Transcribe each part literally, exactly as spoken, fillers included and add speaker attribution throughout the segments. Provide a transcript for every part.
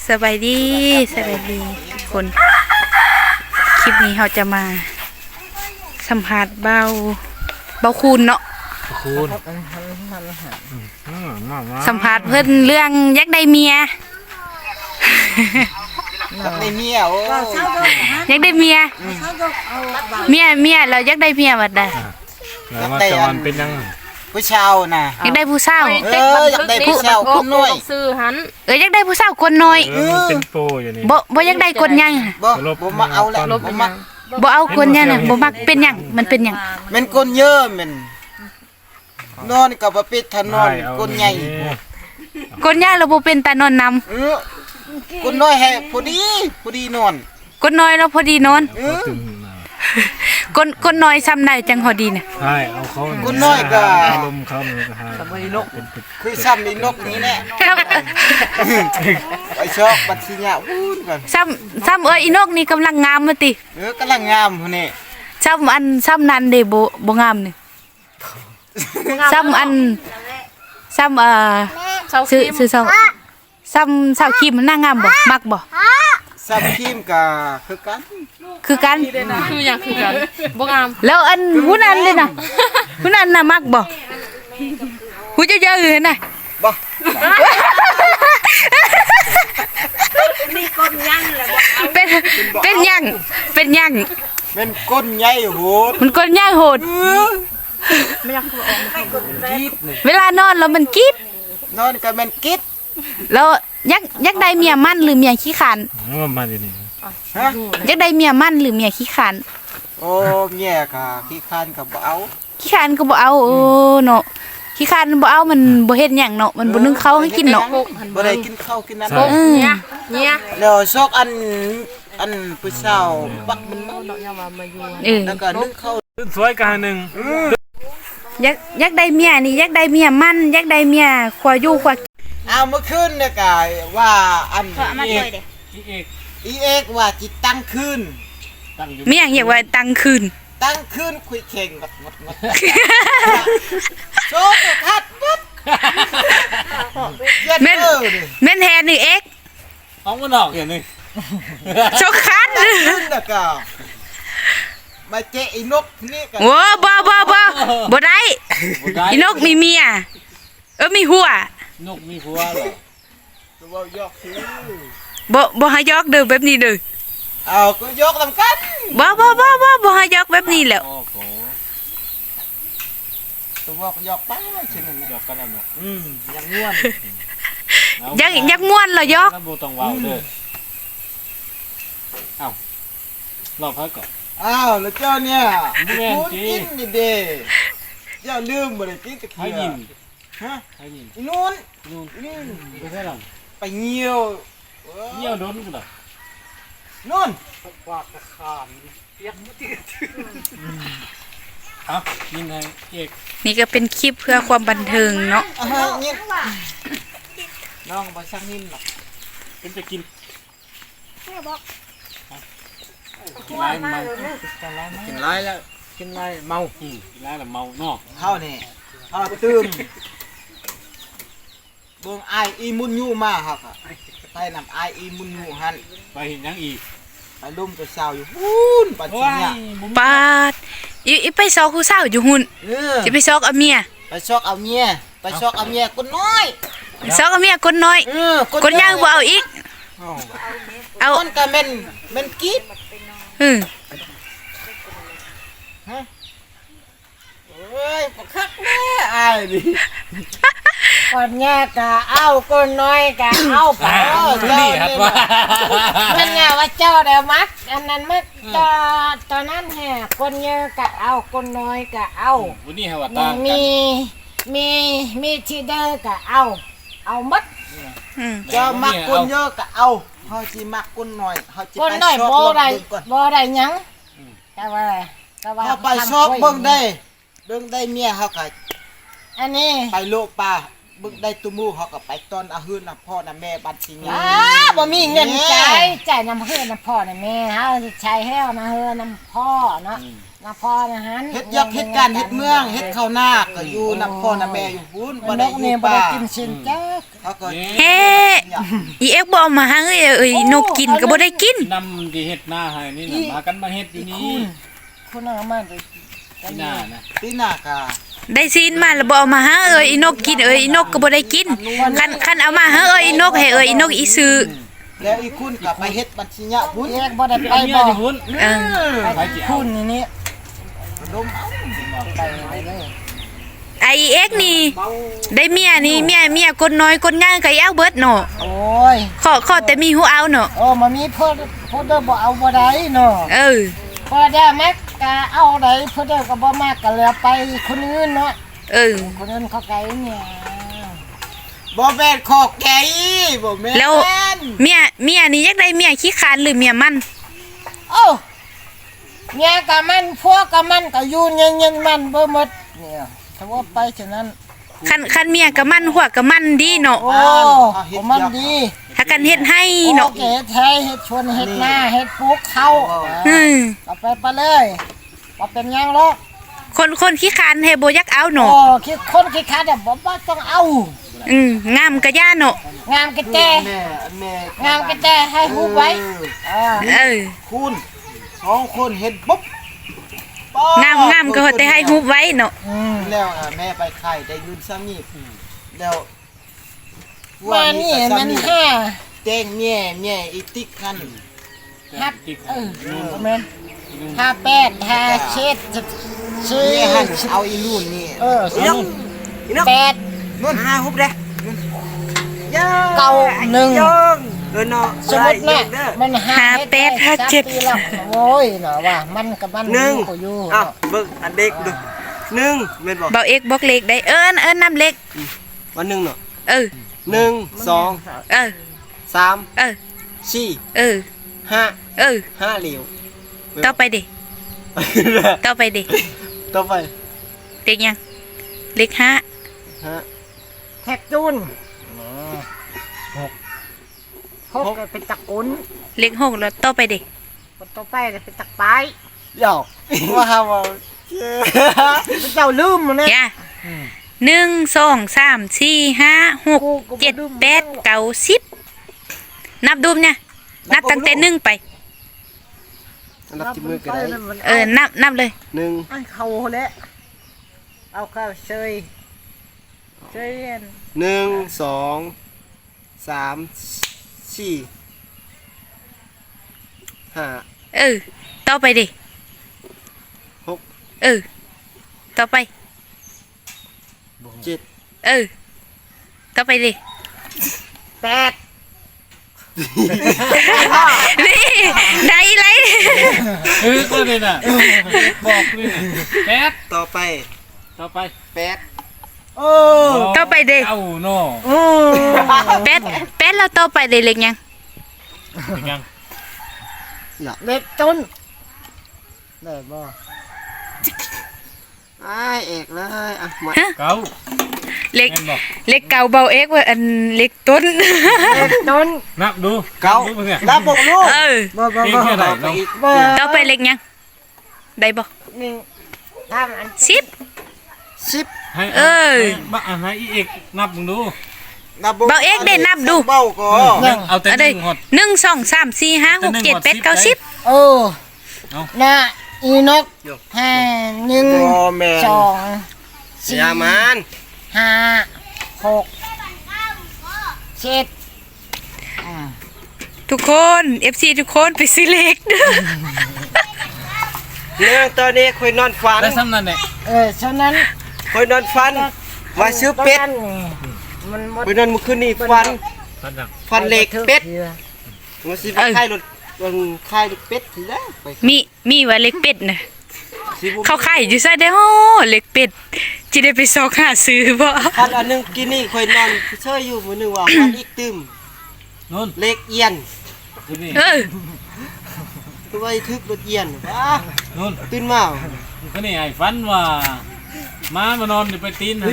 Speaker 1: สบายดีสบายดีทุกคนคลิปนี้เราจะมาสัมภาษณ์เบาเบาคูณเนาะ
Speaker 2: คูณ
Speaker 1: สัมภาษณ์เพิ่นเรื่องยักได้เมีย
Speaker 2: ยักได้เมียโอ้
Speaker 1: ยักได้เมียเมียเมียเรายักได้เมียบัดใด
Speaker 3: แล้วมาจอนเป็นยัง
Speaker 2: ผู้ชายน่ะ
Speaker 1: ยักได้ผู้สาว
Speaker 2: เออยักได้ผู้ชายคนน้อย
Speaker 4: ซื้อหัน
Speaker 1: เออยักได้ผู้สาวคนน้อย
Speaker 3: เป็นโปอยู่นี่
Speaker 1: บ่บ่ยักได้คนยัง
Speaker 2: บ่บ่มาเอาแล้วบ่มา
Speaker 1: บ่เอาคนยังน่ะบ่มักเป็นหยังมันเป็นหยัง
Speaker 2: มันคนเยอะมันนอนกับบ่ปิดถนนคนใหญ่
Speaker 1: คนใหญ่เราบ่เป็นตานอนนำ
Speaker 2: เออคนน้อยให้พอดีพอดีนอน
Speaker 1: คนน้อยเราพอดีนอนคนคนน้อยซ้ำได้จังพอดีน่ะ
Speaker 3: ใช่เอาเขา
Speaker 2: คนน้อยก็
Speaker 3: อารมณ์เขามันก็ให้
Speaker 2: ซ้ำอีนกคือซ้ำอีนกนี้แหละไอ้ชอบบัดสิญะวู้นก่อน
Speaker 1: ซ้ำซ้ำเอ้ยอีนกนี่กำลังงามมาติ
Speaker 2: เออกำลังงามพุ่นนี่
Speaker 1: ซ้ำอันซ้ำนั้นเด้บ่บ่งามนี่ซ้ำอันซ้ำเอ่อซื้อซื้อซ้ำซ้ำสาวครีมมันน่างามบ่มักบ่
Speaker 2: ซ้ำครีมก็คือกัน
Speaker 1: คือกัน
Speaker 4: คือหยังคือกันบ่งาม
Speaker 1: แล้วอันผู้นั้นเด้น่ะผู้นั้นน่ะมักบ่ผู้เยอะๆอยู่น่ะ
Speaker 2: บ่
Speaker 4: นี่ก้นยังแหละบ่
Speaker 1: เป็นเป็นยังเป็นยัง
Speaker 2: เป็นก้นใหญ่โหด
Speaker 1: มันก้นใหญ่โหด
Speaker 4: ไม่อยากคือออกมาก้นแรก
Speaker 1: เวลานอนแล้วมันกิ๊ด
Speaker 2: นอนก็มันกิ๊ด
Speaker 1: แล้วยักยักได้เมียมั่นหรือเมียขี้ขาน
Speaker 3: มาดินี่
Speaker 2: ฮะ
Speaker 1: ยักได้เมียมั่นหรือเมียขี้ขาน
Speaker 2: โอ้เมียก็ขี้คานก็บ่เอา
Speaker 1: ขี้ขานก็บ่เอาโอ้เนาะขี้ขานบ่เอามันบ่เฮ็ดหยังเนาะมันบ่นึ่งข้าวให้กินเนาะ
Speaker 2: บ่ได้กินข้าวกินน้ำ
Speaker 1: เนี่ย
Speaker 4: เนี่ย
Speaker 2: แล้วซอกอันอันผู้สาวปักมันเมาเนาะมามาอยู่
Speaker 1: เออ
Speaker 2: แล้วก็นึ่งข้าว
Speaker 3: สวยกันนึง
Speaker 1: ยักยักได้เมียนี่ยักได้เมียมั่นยักได้เมียขวาอยู่ขวา
Speaker 2: เอาเมื่อคืนเนี่ยก็ว่าอันอีเอกอีเอกว่าจิตั้งคืน
Speaker 1: เมียอยากว่าตั้งคืน
Speaker 2: ตั้งคืนคุยเข่งหมดหมดหมดโชกคัดปุ๊บ
Speaker 1: แม่นแม่นแทนนี่เอ็ก
Speaker 3: เอามันออกอย่างนี้
Speaker 1: โชกคัด
Speaker 2: ขึ้นแล้วก็มาเจอีนกนี่กัน
Speaker 1: โอ้บ่บ่บ่บ่ได้อีนกมีเมียเออมีหัวน
Speaker 3: กมีหัวเหรอ
Speaker 2: บ่ยกคือ
Speaker 1: บ่บ่ให้ยกเด้อแบบนี้เด้อ
Speaker 2: เอาก็ยกนำกัน
Speaker 1: บ่บ่บ่บ่บ่ให้ยกแบบนี้แล้ว
Speaker 2: ตัวบอกยกไปใช่มั้ย
Speaker 3: ยกกันแล้วเนาะ
Speaker 2: อืมยังม่วน
Speaker 1: ยักยักม่วนเหรอยก
Speaker 3: บ่ต้องว้าวเด้อเอ้าลองพักก่อน
Speaker 2: อ้าวแล้วเจ้าเนี่ยพูดกินนี่เด้เจ้าลืมบ่ได้กินตะเคียนฮะ
Speaker 3: ให้ยิน
Speaker 2: นู่น
Speaker 3: นู่นนี่ไปใช่หรอ
Speaker 2: ไปเหี่ยว
Speaker 3: เหี่ยวโดนกูล่ะ
Speaker 2: นู่น
Speaker 3: ปากตะขานเปียกบ่ติดครับยินให้เอก
Speaker 1: นี่ก็เป็นคลิปเพื่อความบันเทิงเนาะ
Speaker 2: อ่ายินน้องบ่ซักนิ่มหรอก
Speaker 3: เป็นจะกิน
Speaker 4: แม่บอก
Speaker 3: กินไรเมา
Speaker 2: กินไรแล้วกินไรเมา
Speaker 3: อืมกินไรแล้วเมาเนาะ
Speaker 2: เฮานี่เฮาตื่มเบิ่งอ้ายอีมุนยู่มาครับไปนำอ้ายอีมุนยู่หั่น
Speaker 3: ไปเห็นยังอีก
Speaker 2: ไปลุ่มตัวสาวอยู่ฮู้นปัดสิเนี่ย
Speaker 1: ปาดอีอีไปซอกผู้สาวอยู่หุ่นสิไปซอกเอาเมีย
Speaker 2: ไปซอกเอาเมียไปซอกเอาเมียคนน้อย
Speaker 1: ซอกเอาเมียคนน้อยคนย่างบ่เอาอีก
Speaker 2: เอาคนก็แม่นแม่นกิ๊บ
Speaker 1: อือ
Speaker 2: ฮะเอ้ยบ่คักแม่อ้ายนี่
Speaker 4: คนแย่กะเอาคนน้อยกะเอาไป
Speaker 3: นี่ครับว่า
Speaker 4: มันไงว่าเจ้าเดี๋ยวมักอันนั้นมักตอตอนนั้นแห่คนเยอะกะเอาคนน้อยกะเอา
Speaker 3: วันนี้ฮะว่าตา
Speaker 4: มีมีมีที่เด้อกะเอาเอามัด
Speaker 2: เจ้ามักคนเยอะกะเอาเฮาสิมักคนน้อยเฮาสิไป
Speaker 4: ซอกบ่ได้บ่ได้หยังแต่ว่าแต่ว่า
Speaker 2: เฮาไปซอกเบิ่งได้เบิ่งได้เมียเฮาก็
Speaker 4: อันนี้
Speaker 2: ไปโลกป่าบึกได้ตุมูเขาก็ไปต้นอาหื้นน่ะพ่อน่ะแม่บัดสิ
Speaker 4: อ้าบ่มีเงินจ่ายจ่ายนำเฮือนน่ะพ่อน่ะแม่เฮาสิใช้แฮ้วมาเฮือนนำพ่อเนาะนำพ่อนะหัน
Speaker 2: เฮ็ดยักเฮ็ดการเฮ็ดเมืองเฮ็ดข้าวนาก็อยู่นำพ่อน่ะแม่อยู่พุ่นบ่ได้อยู่ป่า
Speaker 4: บ่ได้กินสินจัก
Speaker 2: เฮเขาก็
Speaker 1: เฮ้อีเอ็กบ่เอามาหาเอ้ยเอ้ยนกกินก็บ่ได้กิน
Speaker 3: นำที่เฮ็ดหน้าให้นี่น่ะมากันมาเฮ็ดอยู่นี่
Speaker 4: คุณเอามาเลย
Speaker 3: ที่หน้านะ
Speaker 2: ที่หน้ากา
Speaker 1: ได้ซีนมาแล้วบ่เอามาหาเอ้ยอีนกกินเอ้ยอีนกก็บ่ได้กินคันคันเอามาหาเอ้ยอีนกให้เอ้ยอีนกอีซื้อ
Speaker 2: แล้วอีคุณก็ไปเฮ็ดบัญชีเนี่ยพุ่น
Speaker 4: แยกบ่ได้ไป
Speaker 3: ไอ้เมีย
Speaker 4: บ่
Speaker 3: ที่พุ่น
Speaker 1: เออ
Speaker 3: ไปสิเอา
Speaker 4: คุณนี่นี่
Speaker 2: ดมเอา
Speaker 4: ไปเลย
Speaker 1: ไอเอ็กนี่ได้เมียนี่เมียเมียคนน้อยคนง่ายก็เอาเบิดเนาะ
Speaker 4: โอ้ย
Speaker 1: ขอขอแต่มีหูเอาเนาะ
Speaker 4: โอ้มามีเพิ่นเพิ่นเด้อบ่เอาบ่ได้เนาะ
Speaker 1: เออ
Speaker 4: พอได้มักก็เอาได้เพิ่นเด้อก็บ่มากก็แล้วไปคนอื่นเนาะ
Speaker 1: เออ
Speaker 4: คนอื่นเขาไกลเนี่ย
Speaker 2: บ่แม่นขอกไก่บ่แม่น
Speaker 1: แล้วเมียเมียนี่อยากได้เมียขี้คร้านหรือเมียมัน
Speaker 4: โอ้เมียกับมันพวกกับมันก็อยู่เย็นๆมันบ่หมดเนี่ยถ้าว่าไปฉะนั้น
Speaker 1: คันคันเมียกับมันหัวกับมันดีเนาะ
Speaker 4: โอ้ผมมันดี
Speaker 1: ถ้ากันเฮ็ดให้
Speaker 4: โอ
Speaker 1: เนาะ
Speaker 4: เคไทยเฮ็ดชวนเฮ็ดหน้าเฮ็ดปลูกเขา
Speaker 1: อืม
Speaker 4: เอาไปไปเลยว่าเป็นหยังหรอก
Speaker 1: คนคนขี้คร้านให้บ่อยากเอา
Speaker 4: โอ้
Speaker 1: เนาะ
Speaker 4: คิดคนคิดขาดบ่บ่ต้องเอา
Speaker 1: อืมงามกะย่าเนาะ
Speaker 4: งามกระแจ
Speaker 2: แม่แม่
Speaker 4: งามกระแจให้ฮู้ไว้เออ
Speaker 1: เออ
Speaker 2: คุณสองคนเฮ็ดปุ๊บ
Speaker 1: งามงามก็แต่ให้ฮูบไว้เนาะ
Speaker 4: อืม
Speaker 2: แล้วอ่ะแม่ไปไข่ได้ยืนซ้ำนี่แล้ว
Speaker 4: ว่านี่มันห้า
Speaker 2: เต้งแม่แม่อีติ๊กคัน
Speaker 4: ฮับเออแม่นห้าแปดห้าเช็ดสี่
Speaker 2: แม่หันเอาอีรุ่นนี่
Speaker 4: เออสองแปด
Speaker 2: นู่นห้าฮุบเด้
Speaker 4: เก้าหนึ่ง
Speaker 2: เออเนาะ
Speaker 4: สมมตินะมันหาแปดห้าเจ็ดโอ้ยเนาะว่ามันกับมันอยู่ก็อยู่
Speaker 2: อ้าวเบิ่งอันเด็กดูหนึ่งแม่นบ่
Speaker 1: เบาเอกบอกเล็กได้เอิ้นเอิ้นน้ำเล็ก
Speaker 2: วันหนึ่งเนาะ
Speaker 1: เออ
Speaker 2: หนึ่งสอง
Speaker 1: เออ
Speaker 2: สาม
Speaker 1: เออ
Speaker 2: สี่
Speaker 1: เออ
Speaker 2: ห้า
Speaker 1: เออ
Speaker 2: ห้าเหลียว
Speaker 1: ต่อไปดิต่อไปดิ
Speaker 2: ต่อไป
Speaker 1: เล็กยังเล็กห้า
Speaker 2: ฮะ
Speaker 4: แท็กจูนหกหกเป็นตะกุน
Speaker 1: เล็กหกแล้วต่อไปดิ
Speaker 4: คนต่อไปเป็นตะปาย
Speaker 2: เดี๋ยวว่าฮาวา
Speaker 4: เจ้าลืมมันเนี่ย
Speaker 1: ย่าหนึ่งสองสามสี่ห้าหกเจ็ดแปดเก้าสิบนับดูมเนี่ยนับตั้งแต่หนึ่งไป
Speaker 2: นับที่มือกันได้
Speaker 1: เออนับนับเลย
Speaker 2: หนึ่ง
Speaker 4: ไอ้เขาแล้วเอาเข้าเชยเชย
Speaker 2: หนึ่งสองสามสี่ห้า
Speaker 1: เออต่อไปดิ
Speaker 2: หก
Speaker 1: เออต่อไป
Speaker 2: เจ็ด
Speaker 1: เออต่อไปดิ
Speaker 4: แปด
Speaker 1: นี่ได้ไร
Speaker 3: เออก็เลยน่ะบอกเลยน่ะแปด
Speaker 2: ต่อไป
Speaker 3: ต่อไป
Speaker 2: แปด
Speaker 4: โอ้
Speaker 1: ต่อไปดิ
Speaker 3: เอ้าเนาะ
Speaker 4: โอ้
Speaker 1: เป็ดเป็ดเราต่อไปดิเล็กยัง
Speaker 3: เป็นยัง
Speaker 4: เล็กต้นได้บ่
Speaker 2: ไอเอกเลยอ่ะมา
Speaker 1: ฮะ
Speaker 3: เก้า
Speaker 1: เล็ก
Speaker 3: แม่นบอก
Speaker 1: เล็กเก่าเบาเอ็กว่าอันเล็กต้น
Speaker 4: เล็กต้น
Speaker 3: นับดู
Speaker 2: เก้า
Speaker 3: นับดูเนี่ย
Speaker 2: รับบอกลูก
Speaker 1: เออ
Speaker 4: บ่บ่
Speaker 3: เพียง
Speaker 4: บ่
Speaker 3: แค่ไหน
Speaker 2: ต่อไป
Speaker 3: เนาะ
Speaker 2: อีก
Speaker 4: บ่
Speaker 1: ต่อไปเล็กยังได้บ่
Speaker 4: นี่ทำอัน
Speaker 1: สิบ
Speaker 2: สิบ
Speaker 3: ให้
Speaker 1: เออ
Speaker 3: ให้บ้าอ่ะให้อีเอกนับมึงดู
Speaker 2: นับ
Speaker 1: เบาเอกได้นับดู
Speaker 2: เบาก็
Speaker 3: เอาแต่
Speaker 1: เอา
Speaker 3: ห
Speaker 1: ได้
Speaker 3: นึ่งหด
Speaker 1: หนึ่งสองสามสี่ห้าหกเจ็ดแปดเก้าสิบ
Speaker 4: โอ้
Speaker 3: เอา
Speaker 4: น่ะอีนกห้าหนึ่ง
Speaker 2: โอแมน
Speaker 4: สองสี่
Speaker 2: ยามัน
Speaker 4: ห้าหกเจ็ด
Speaker 1: ทุกคน เอฟ ซี ทุกคนไปซื้อเล็กเด้อ
Speaker 2: เนี่ยตอนนี้คอยนอนฝัน
Speaker 3: ได้ซ้ำนั่นแหละ
Speaker 4: เออฉะนั้น
Speaker 2: คอยนอนฝันว่าซื้อเป็ด
Speaker 4: มันหมด
Speaker 2: คอยนอนเมื่อคืนนี้ฝัน
Speaker 3: ซ้ำยัง
Speaker 2: ฝันเหล็กเป็ดว่าสิไปค่ายรถวันค่ายเป็ดทีแล้วไป
Speaker 1: มีมีว่าเล็กเป็ดน่ะ
Speaker 2: สิบุ
Speaker 1: เขาขายอยู่ซะเด้อเล็กเป็ดจิได้ไปซอกหาซื้อบ่
Speaker 2: ฝันอันหนึงกินนี่คอยนอนเชยอยู่มื้อหนึงว่าฝันอีกตึม
Speaker 3: นู่น
Speaker 2: เหล็กเอียน
Speaker 3: ดูนี่
Speaker 1: เออ
Speaker 2: ตัวไอ้ทึกรถเอียนว้า
Speaker 3: นู่น
Speaker 2: ตื่นมา
Speaker 3: ก็นี่ไอ้ฟันว่ามามานอนอยู่ไปตีนหั่น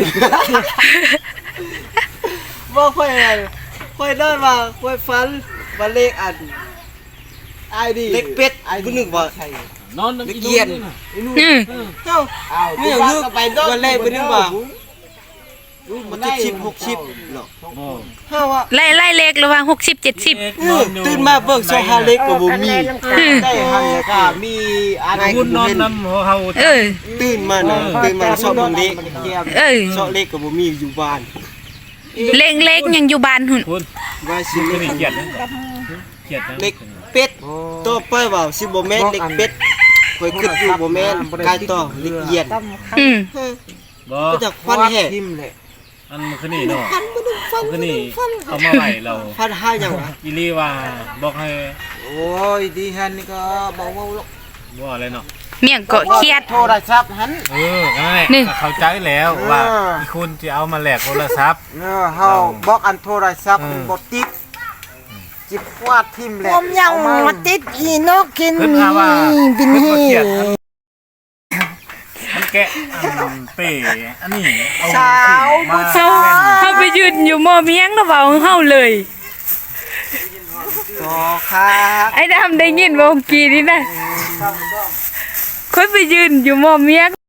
Speaker 2: บ่ค่อยอะไรค่อยนอนว่าค่อยฝันว่าเหล็กอันไอ้ดิเหล็กเป็ดไอ้ผู้หนึงว่า
Speaker 3: นอน
Speaker 2: เหล็ก
Speaker 3: อี
Speaker 2: เอียน
Speaker 3: นู่นน่ะ
Speaker 1: อืม
Speaker 2: เจ้าเนี่ยคือวันแรกไปนึกว่ามันจะชิบหกชิบหรอก
Speaker 3: บ่
Speaker 2: ห้าว่า
Speaker 1: ไล่ไล่เลขระหว่างหกสิบเจ็ดสิบ
Speaker 3: เอ็ด
Speaker 2: เออตื่นมาเบิกโซฮาเล็กก็บ่มี
Speaker 1: อืม
Speaker 2: ได้หันก็มีอะไร
Speaker 3: คุ
Speaker 2: ก็
Speaker 3: ณน
Speaker 2: บ่
Speaker 3: อน
Speaker 2: เห็น
Speaker 3: นำเฮา
Speaker 1: เออ
Speaker 2: ตื่นมาน่ะตื่นมาชอบเบิ่งเล็ก
Speaker 1: เออ
Speaker 2: ชอบเล็กก็บ่มีอยู่บ้าน
Speaker 1: เลขเลขยังอยู่บ้านหุ่น
Speaker 3: คุณ
Speaker 2: ว่าสิ
Speaker 3: คุณ
Speaker 2: เล็ก
Speaker 3: นี่เกียดนะเกียดนะ
Speaker 2: เล็กเป็ดต่อไปว่าสิบ่แม่นเล็กเป็ดข่อยคิดอยู่บ่แม่นกายต่อเล็กเหยียด
Speaker 1: อืม
Speaker 3: บ่
Speaker 2: ก็จากฟันแห่
Speaker 3: อันมันคือนี่เนาะมันคือนี่เอามาไว้เรา
Speaker 2: ฟันหาหยังวะ
Speaker 3: อีลีว่าบอกให้
Speaker 5: โอ้ยดีฮันนี่ก็บอกว่า
Speaker 3: บ่อะไรเนาะ
Speaker 1: เมี่ยงเกาะเครียด
Speaker 5: โทรศัพท์หัน
Speaker 3: เออนั่นแหละ
Speaker 1: นี่
Speaker 3: เข้าใจแล้วว่าอีคุณจะเอามาแลกโทรศัพท์
Speaker 5: เออเฮาบอกอันโทรศัพท์
Speaker 3: เออ
Speaker 5: บ่ติดจิบวาดทิ่มแหละ
Speaker 4: ผมยังมาติดอีนกกิน
Speaker 3: เพิ่นหาว่า
Speaker 4: บิน
Speaker 3: เพิ่น
Speaker 4: ฮี
Speaker 3: บ่เกียดอันมันแกะอันเป้อันนี้เอามา
Speaker 1: เฮาเฮาไปยืนอยู่หม้อเมียงแล้วเว้าเฮาเลย
Speaker 5: ต่อค่ะ
Speaker 1: ไอ้ดำได้ยินบ่เมื่อกี้นี่นะคนไปยืนอยู่หม้อเมียง